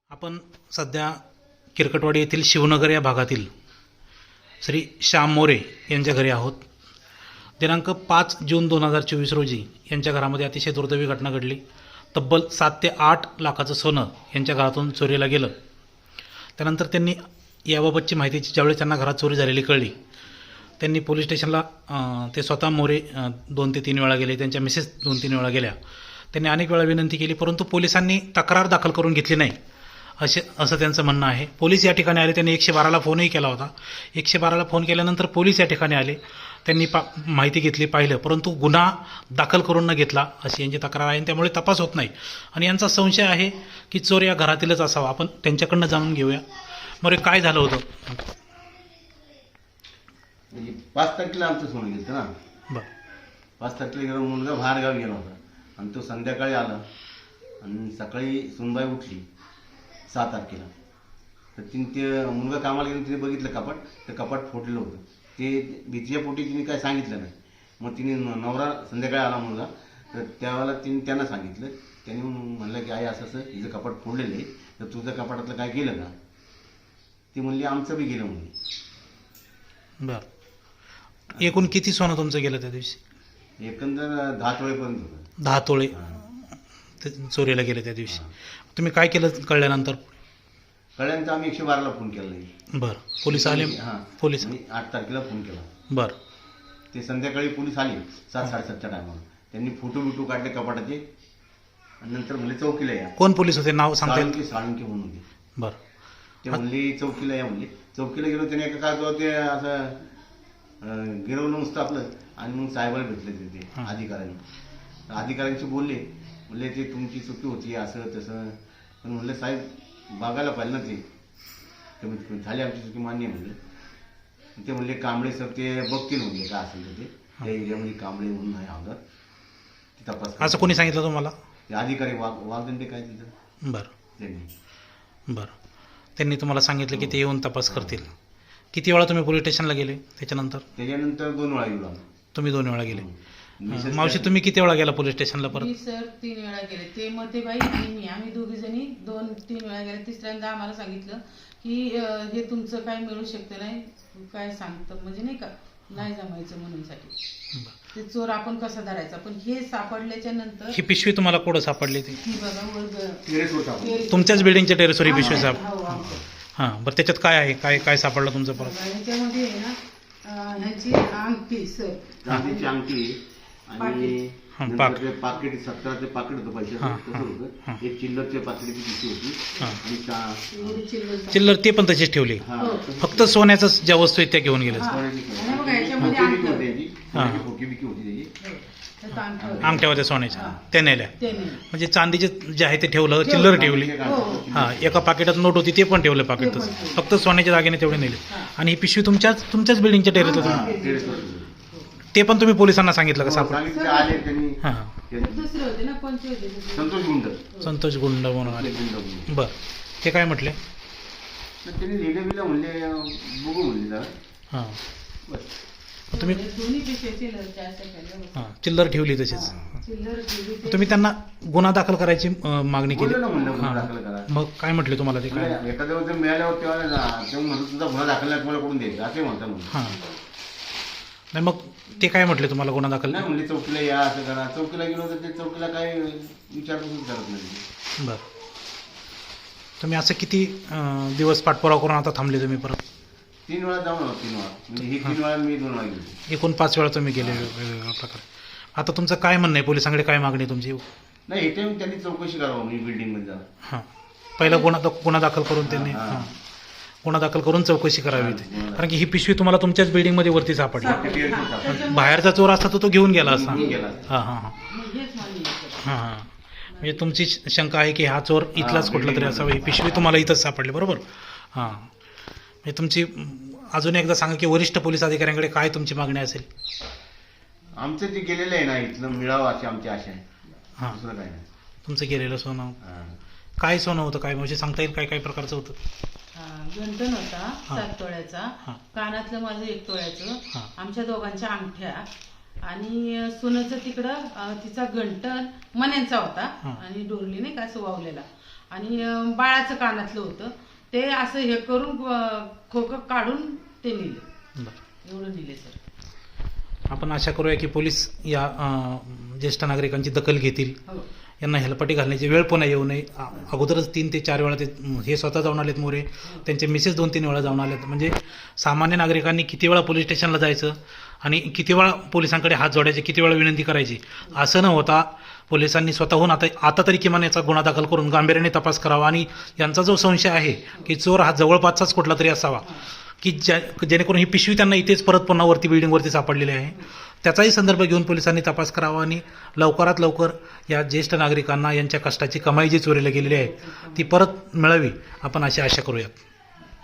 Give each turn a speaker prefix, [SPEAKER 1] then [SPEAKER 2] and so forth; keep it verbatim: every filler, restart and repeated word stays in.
[SPEAKER 1] आपण सध्या किरकटवाडी येथील शिवनगर या भागातील श्री श्याम मोरे यांच्या घरी आहोत. दिनांक पाच जून दोन हजार चोवीस रोजी यांच्या घरामध्ये अतिशय दुर्दैवी घटना घडली. तब्बल सात ते आठ लाखाचं सोनं यांच्या घरातून चोरीला गेलं. त्यानंतर त्यांनी याबाबतची माहिती ज्यावेळी त्यांना घरात चोरी झालेली कळली, त्यांनी पोलीस स्टेशनला ते स्वतः मोरे दोन ते तीन वेळा गेले, त्यांच्या मिसेस दोन तीन वेळा गेल्या. त्यांनी अनेक वेळा विनंती केली, परंतु पोलिसांनी तक्रार दाखल करून घेतली नाही असे असं त्यांचं म्हणणं आहे. पोलीस या ठिकाणी आले, त्यांनी एकशे बाराला फोनही केला होता. एकशे बाराला फोन केल्यानंतर पोलीस या ठिकाणी आले, त्यांनी पा माहिती घेतली, पाहिलं, परंतु गुन्हा दाखल करून न घेतला अशी यांची तक्रार आहे. त्यामुळे तपास होत नाही आणि यांचा संशय आहे की चोर या घरातीलच असावा. आपण त्यांच्याकडनं जाणून घेऊया. मोरे, काय झालं होतं?
[SPEAKER 2] म्हणजे पाच तारखेला आमचं सोनं गेलं ना.
[SPEAKER 1] बरं.
[SPEAKER 2] पाच तारखेला गेलो, मुलगा बाहेरगावी गेला होता आणि तो संध्याकाळी आला आणि सकाळी सुनबाई उठली सहा तारखेला. तर तिने ते मुलगा कामाला गेला, तिने बघितलं कपाट, तर कपाट फोडलेलं होतं. ते भीतीच्या पोटी तिने काय सांगितलं नाही. मग तिने नवरा संध्याकाळी आला मुलगा, तर त्यावेळेला तिने त्यांना सांगितलं. त्यांनी म्हणलं की आई असं असं हिचं कपाट फोडलेलं आहे, तर तुझं कपाटातलं काय गेलं का? ती म्हणली आमचं बी गेलं म्हणली.
[SPEAKER 1] बरं. एकूण किती सोनं तुमचं गेलं त्या दिवशी?
[SPEAKER 2] एकंदर दहा तोळेपर्यंत होतं.
[SPEAKER 1] दहा तोळे ते चोरीला गेले त्या दिवशी. तुम्ही काय केलं कळल्यानंतर?
[SPEAKER 2] कळल्यानंतर आम्ही एकशे बाराला फोन केला नाही.
[SPEAKER 1] बरं. पोलीस आले?
[SPEAKER 2] हां,
[SPEAKER 1] पोलीस.
[SPEAKER 2] आणि आठ तारखेला फोन केला.
[SPEAKER 1] बरं.
[SPEAKER 2] ते संध्याकाळी पोलीस आले सात साडेसातच्या टायमाला. त्यांनी फोटो बिटो काढले कपाटाचे आणि नंतर म्हणले चौकीला या.
[SPEAKER 1] कोण पोलीस होते? नाव सांगता येईल?
[SPEAKER 2] साळुंके साळुंके म्हणून होते.
[SPEAKER 1] बरं.
[SPEAKER 2] ते म्हणले चौकीला या म्हणले. चौकीला गेलो, त्याने एका कागदावर ते असं अं, गिरवलं नुसतं आपलं आणि मग साहेबाला भेटले ते ते अधिकाऱ्यांनी. अधिकाऱ्यांशी बोलले, म्हणले ते तुमची चुकी होती असं तसं. पण म्हणलं साहेब बघायला पाहिजे ना, ते कमीत कमी झाली आमची चुकी मान्य म्हणलं. ते म्हणले कांबळे सर ते बघतील म्हणले काय असेल तर ते त्या एरियामध्ये कांबळे म्हणून आहे आमदार, ते तपास.
[SPEAKER 1] असं कोणी सांगितलं तुम्हाला?
[SPEAKER 2] ते अधिकारी वाघ वाघदंडे काय तिथं
[SPEAKER 1] बरं.
[SPEAKER 2] त्यांनी.
[SPEAKER 1] बरं. त्यांनी तुम्हाला सांगितलं की ते येऊन तपास करतील. किती वेळा तुम्ही पोलीस स्टेशनला गेले त्याच्यानंतर?
[SPEAKER 2] त्याच्यानंतर दोन वेळा गेलो आम्ही.
[SPEAKER 1] तुम्ही दोन वेळा गेले.
[SPEAKER 2] मिसेस
[SPEAKER 1] मावशी, तुम्ही किती वेळा गेला पोलीस स्टेशनला परत?
[SPEAKER 3] मी सर तीन वेळा गेले. ते मतेबाई आणि मी आम्ही दोघी जणी दोन तीन वेळा गेले. तिसऱ्यांदा आम्हाला सांगितलं की अं, हे तुमचं काय मिळू शकतं नाही, काय सांगतं म्हणजे नाही का, नाही जमायचं म्हणून साठी ते चोर आपण कसा धरायचा. पण हे सापडल्याच्या नंतर
[SPEAKER 1] ही पिशवी तुम्हाला कुठं सापडली ती?
[SPEAKER 3] ही बघा वर
[SPEAKER 2] टेरेस होता आपण.
[SPEAKER 3] टेरेस-
[SPEAKER 1] तुमच्याच बिल्डिंगच्या टेरेसवर ही पिशवी साप
[SPEAKER 3] हो, आमचं.
[SPEAKER 1] हां. बरं, त्याच्यात काय आहे? काय काय सापडलं तुमचं परत?
[SPEAKER 3] बघा, ह्याच्यामध्ये आहे ना अं, ह्यांची अंगठी सर,
[SPEAKER 2] चांदीची अंगठी आणि
[SPEAKER 1] हां,
[SPEAKER 2] नंतर
[SPEAKER 1] पाक.
[SPEAKER 2] ते पाकिट सत्तराचे पाकिट होतं पैशाचं,
[SPEAKER 1] हां,
[SPEAKER 2] तसं
[SPEAKER 1] हां,
[SPEAKER 2] होतं.
[SPEAKER 1] हां.
[SPEAKER 2] एक चिल्लरच्या पाकिटाची पिशवी होती
[SPEAKER 1] हां.
[SPEAKER 2] आणि चा-
[SPEAKER 3] एवढी चिल्लर
[SPEAKER 1] चिल्लर ते पण तशीच ठेवली.
[SPEAKER 2] हां,
[SPEAKER 3] हो.
[SPEAKER 2] तसं
[SPEAKER 1] फक्त सोन्याचं ज्या वस्तू आहेत त्या घेऊन गेले.
[SPEAKER 3] हां.
[SPEAKER 2] सोन्याची
[SPEAKER 3] आणि बघा, याच्यामध्ये
[SPEAKER 2] खोकी बिकी
[SPEAKER 3] अंगठी.
[SPEAKER 2] होती त्याची.
[SPEAKER 1] हां.
[SPEAKER 2] सोन्याची खोकी बिकी होती त्याची.
[SPEAKER 3] हो, त्यात अंगठी होती.
[SPEAKER 1] अंगठ्या होत्या सोन्याच्या,
[SPEAKER 3] हां.
[SPEAKER 1] त्या नेल्या.
[SPEAKER 3] ते नाही.
[SPEAKER 1] म्हणजे चांदीचे जे आहे ते ठेवलं, चिल्लर ठेवली.
[SPEAKER 3] हो.
[SPEAKER 1] हां. एका पाकिटात नोट होती, ते पण ठेवलं पाकिटच.
[SPEAKER 3] ते पण ठेवलं.
[SPEAKER 1] फक्त सोन्याच्या दागिने तेवढे नेले.
[SPEAKER 3] हां.
[SPEAKER 1] आणि ही पिशवी तुमच्याच तुमच्याच बिल्डिंगच्या टेरेसला
[SPEAKER 2] हां,
[SPEAKER 1] तुम्ही
[SPEAKER 2] टेरेसवर होती.
[SPEAKER 1] ते पण तुम्ही पोलिसांना सांगितलं का सापड?
[SPEAKER 2] सांगितलं, आले त्यांनी.
[SPEAKER 1] हां.
[SPEAKER 2] त्यांनी-
[SPEAKER 3] दुसरे होते ना, कोणते होते दुसरे?
[SPEAKER 2] संतोष गुंड
[SPEAKER 1] संतोष गुंड म्हणून आले.
[SPEAKER 2] गुंड गुंड.
[SPEAKER 1] बरं. ते काय म्हटले?
[SPEAKER 2] तर त्यांनी लिहिलं बिलं म्हणले बघू म्हणले जरा.
[SPEAKER 1] हां.
[SPEAKER 2] बस.
[SPEAKER 1] तुम्ही
[SPEAKER 3] दोन्ही पिशव्या चिल्लरच्या अशा केल्या होत्या.
[SPEAKER 1] हां, चिल्लर ठेवली तशीच.
[SPEAKER 3] चिल्लर ठेवली ते-
[SPEAKER 1] तुम्ही त्यांना गुन्हा दाखल करायची अं, मागणी केली?
[SPEAKER 2] बोललो ना म्हणलं गुन्हा
[SPEAKER 1] हां.
[SPEAKER 2] दाखल करा.
[SPEAKER 1] मग काय म्हटले तुम्हाला ते? काय?
[SPEAKER 2] म्हणजे एखाद्या वेळेस मिळाल्यावर तेव्हा ना- तेव्हा म्हणलं तुझा गुन्हा दाखल नाही, तुम्हाला करून द्यायचं असे म्हणतात म्हणून.
[SPEAKER 1] हां. नाही, मग ते काय म्हटले तुम्हाला गुन्हा दाखल?
[SPEAKER 2] नाही म्हणले चौकीला या असं करा. चौकीला गेलो तर ते चौकीला काय विचारपूस करत नाही.
[SPEAKER 1] बरं. तुम्ही असं किती अं, दिवस पाठपुरावा करून आता थांबले तुम्ही परत?
[SPEAKER 2] तीन वेळा जाऊन आलो, तीन वेळा म्हणजे ही तीन वेळा मी दोन वेळा गेलो.
[SPEAKER 1] एकूण पाच वेळा तुम्ही गेले वेगवेगळ्या प्रकारे. आता तुमचं काय म्हणणं आहे? पोलिसांकडे काय मागणी आहे तुमची?
[SPEAKER 2] नाही इथे त्यांनी चौकशी करावं मी बिल्डिंग मध्ये जाऊन.
[SPEAKER 1] हां. पहिला गुन्हा गुन्हा दाखल करून त्यांनी
[SPEAKER 2] हां.
[SPEAKER 1] हां गुन्हा दाखल करून चौकशी करावी
[SPEAKER 2] हां,
[SPEAKER 1] होती.
[SPEAKER 2] गुन्हा
[SPEAKER 1] कारण की ही पिशवी तुम्हाला तुमच्याच बिल्डिंगमध्ये वरती सापडली.
[SPEAKER 2] ते टेरेसवर सापडलं.
[SPEAKER 3] त्याच्यामुळे-
[SPEAKER 1] बाहेरचा चोर असता तर तो घेऊन गेला असता.
[SPEAKER 2] घेऊन गेला.
[SPEAKER 1] हां हां हां
[SPEAKER 3] मग हेच मान्य आहे.
[SPEAKER 1] हां हां म्हणजे तुमची शंका आहे की हा चोर इथलाच कुठला तरी असावा. ही पिशवी तुम्हाला इथंच सापडली, बरोबर? हां. म्हणजे तुमची अजून एकदा सांगा की वरिष्ठ पोलीस अधिकाऱ्यांकडे काय तुमची मागणी असेल?
[SPEAKER 2] आमचं जे गेलेलं आहे ना इथलं मिळावं अशी आमची आशा आहे.
[SPEAKER 1] हां.
[SPEAKER 2] दुसरं काय नाही.
[SPEAKER 1] तुमचं गेलेलं सोनं
[SPEAKER 2] हां.
[SPEAKER 1] काय सोनं होतं? काय म्हणजे सांगता येईल काय काय प्रकारचं होतं?
[SPEAKER 3] हा, गंठण होता
[SPEAKER 1] हा.
[SPEAKER 3] सात तोळ्याचा,
[SPEAKER 1] हा.
[SPEAKER 3] कानातलं माझं एक तोळ्याचं,
[SPEAKER 1] हा.
[SPEAKER 3] आमच्या दोघांच्या अंगठ्या आणि सुनेचं तिकडं अं, तिचा गंठण मण्यांचा होता
[SPEAKER 1] हा.
[SPEAKER 3] आणि डोरली नाही का असं वावलेला आणि अं, बाळाचं कानातलं होतं ते असं हे करून अं, खोकं काढून ते नेलं.
[SPEAKER 1] बरं.
[SPEAKER 3] एवढं नेले सर.
[SPEAKER 1] आपण आशा करूया की पोलीस या अं, ज्येष्ठ नागरिकांची दखल घेतील,
[SPEAKER 3] हो
[SPEAKER 1] यांना हेलपाटी घालण्याची वेळ पुन्हा येऊ नये. अ- अगोदरच तीन ते चार वेळा ते हे स्वतः जाऊन आलेत मोरे, त्यांचे मिसेस दोन तीन वेळा जाऊन आलेत. म्हणजे सामान्य नागरिकांनी किती वेळा पोलीस स्टेशनला जायचं आणि किती वेळा पोलिसांकडे हात जोडायचे, किती वेळा विनंती करायची, असं न होता पोलिसांनी स्वतःहून आता आता तरी किमान याचा गुन्हा दाखल करून गांभीर्याने तपास करावा. आणि यांचा जो संशय आहे की चोर हा जवळपासचाच कुठला तरी असावा, की ज्या जेणेकरून ही पिशवी त्यांना इथेच परत पुन्हा वरती बिल्डिंगवरती सापडलेली आहे, त्याचाही संदर्भ घेऊन पोलिसांनी तपास करावा आणि लवकरात लवकर या ज्येष्ठ नागरिकांना यांच्या कष्टाची कमाई जी चोरीला गेलेली आहे ती परत मिळावी, आपण अशी आशा करूयात.